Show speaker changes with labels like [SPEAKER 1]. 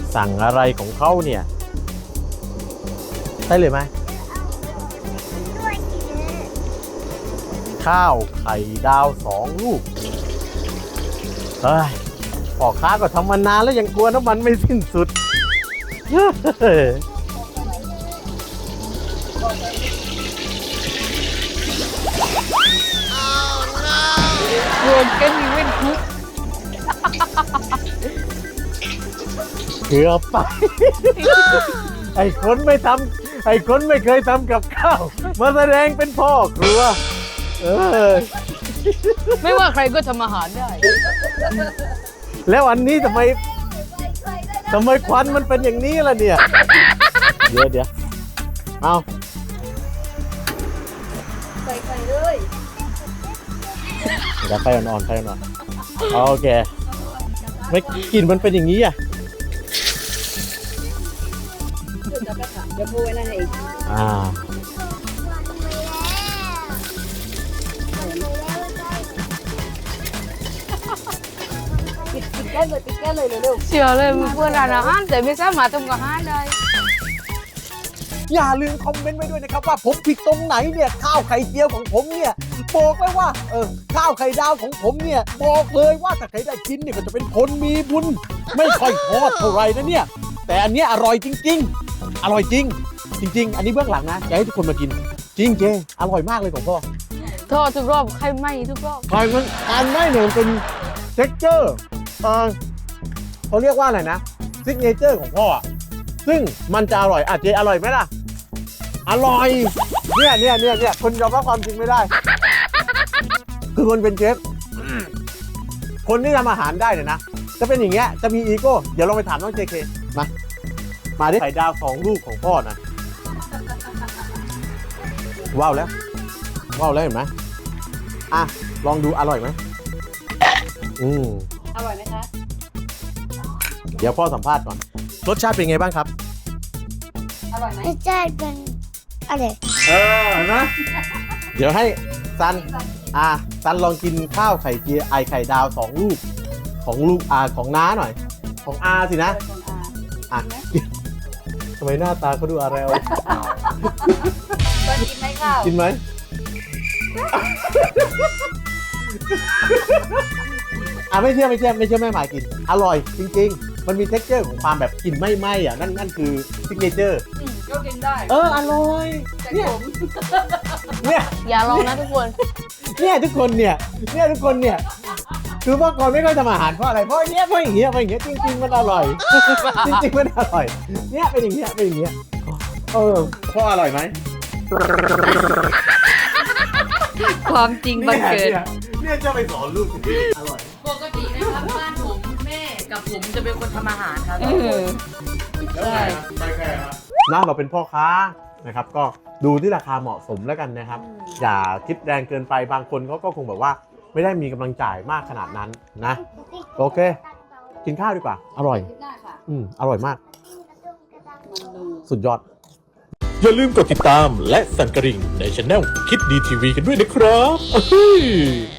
[SPEAKER 1] สั่งอะไรของเขาเนี่ยได้เลยไหมข้าวไข่ดาว2 ลูกเฮ้ยพ่อค้าก็ทำมานานแล้วยังกลัวน้ำมันไม่สิ้นสุด
[SPEAKER 2] โยนกันมีเว้นคุก
[SPEAKER 1] เกือบไป ไอ้คนไม่เคยทำกับข้าวมาแสดงเป็นพ่อครัว
[SPEAKER 2] ไม่ว่าใครก็ทำอาหารได้
[SPEAKER 1] แล้วอันนี้ทำไมควันมันเป็นอย่างนี้ล่ะเนี่ย เดี๋ยวเอา
[SPEAKER 3] ใส่เลย
[SPEAKER 1] เดี๋ยวไฟอ่อนโอเคไม่กลิ่นมันเป็นอย่างนี้อ่ะ
[SPEAKER 3] เดี๋ยวพูดไว้นั่นเอง ปิดแก้เลยเร็ว
[SPEAKER 2] เชื่อเลยมีเพื่อนร้านอาหารแต่ไม่สามารถทำอาหารได้
[SPEAKER 1] อย่าลืมคอมเมนต์ไว้ด้วยนะครับว่าผมผิดตรงไหนเนี่ยข้าวไข่เจียวของผมเนี่ยบอกเลยว่าข้าวไข่ดาวของผมเนี่ยบอกเลยว่าถ้าใครได้กินเนี่ยก็จะเป็นคนมีบุญไม่ค่อยทอดเท่าไหร่นะเนี่ยแต่อันเนี้ยอร่อยจริงๆอร่อยจริงอันนี้เบื้องหลังนะอยากให้ทุกคนมากินจริงเจอร่อยมากเลยของพ่อ
[SPEAKER 2] ทอดทุกรอบใครไหมทุกรอบ
[SPEAKER 1] ไข่มันการไม่เนี่ยมันเป็นเท็กเจอร์เขาเรียกว่าอะไรนะซิกเนเจอร์ของพ่อซึ่งมันจะอร่อยเจอร่อยไหมล่ะอร่อยเนี่ยคนยอมรับความจริงไม่ได้ คือคนเป็นเชฟคนที่ทำอาหารได้เนี่ยนะจะเป็นอย่างเงี้ยจะมีอีโก้เดี๋ยวลองไปถามน้องเจเคมาดิไข่ดาว2 ลูกของพ่อนะว้าวแล้วเห็นไหมลองดูอร่อยไหม
[SPEAKER 3] ๆอร่อยไหมคะ
[SPEAKER 1] เดี๋ยวพ่อสัมภาษณ์ก่อนรสชาติเป็นไงบ้างครับ
[SPEAKER 3] อร่อยไหม
[SPEAKER 4] รสชาติเป็นอะไร
[SPEAKER 1] เห็นไหมเดี๋ยวให้ซันลองกินข้าวไข่เจียวไข่ดาว2 ลูกของน้าหน่อยของสินะทำไมหน้าตาเขาดูอะไรเอา
[SPEAKER 3] กินไหมข้าว
[SPEAKER 1] กินไหมไม่เชื่อแม่หมายกินอร่อยจริงๆมันมีเท็กเจอร์ของความแบบกลิ่นไหม้นั่นคือซิกเนเจอร์
[SPEAKER 3] ก็กินได้
[SPEAKER 1] อร่อย
[SPEAKER 3] แต่ผม
[SPEAKER 1] เนี่ย
[SPEAKER 2] อย่าลองนะทุกคน
[SPEAKER 1] ทุกคนเนี่ยคือเมื่อก่อนไม่ค่อยทำอาหารเพราะอะไรเพราะอย่างเงี้ยจริงๆมันอร่อย จริงๆมันอร่อยเนี่ยเป็นอย่างเงี้ยพ่ออร่อยไหม
[SPEAKER 2] ความจริงบังเกิด
[SPEAKER 1] เนี่ยจะไปสอนลูกถึงอร่อย
[SPEAKER 2] ปกตินะครับบ้านผมแม่กับผมจะเป็นคนทำอาหารครับ
[SPEAKER 1] ใช่เราเป็นพ่อค้านะครับก็ดูที่ราคาเหมาะสมแล้วกันนะครับอย่าคิดแรงเกินไปบางคนเขาก็คงแบบว่าไม่ได้มีกำลังจ่ายมากขนาดนั้นนะโอเคกินข้าวดีกว่าอร่อย
[SPEAKER 3] กินได้ค่ะ
[SPEAKER 1] อร่อยมาก
[SPEAKER 3] มันดู
[SPEAKER 1] สุดยอด
[SPEAKER 5] อย่าลืมกดติดตามและสั่นกระดิ่งในช anel คิดดีทีวีกันด้วยนะครับ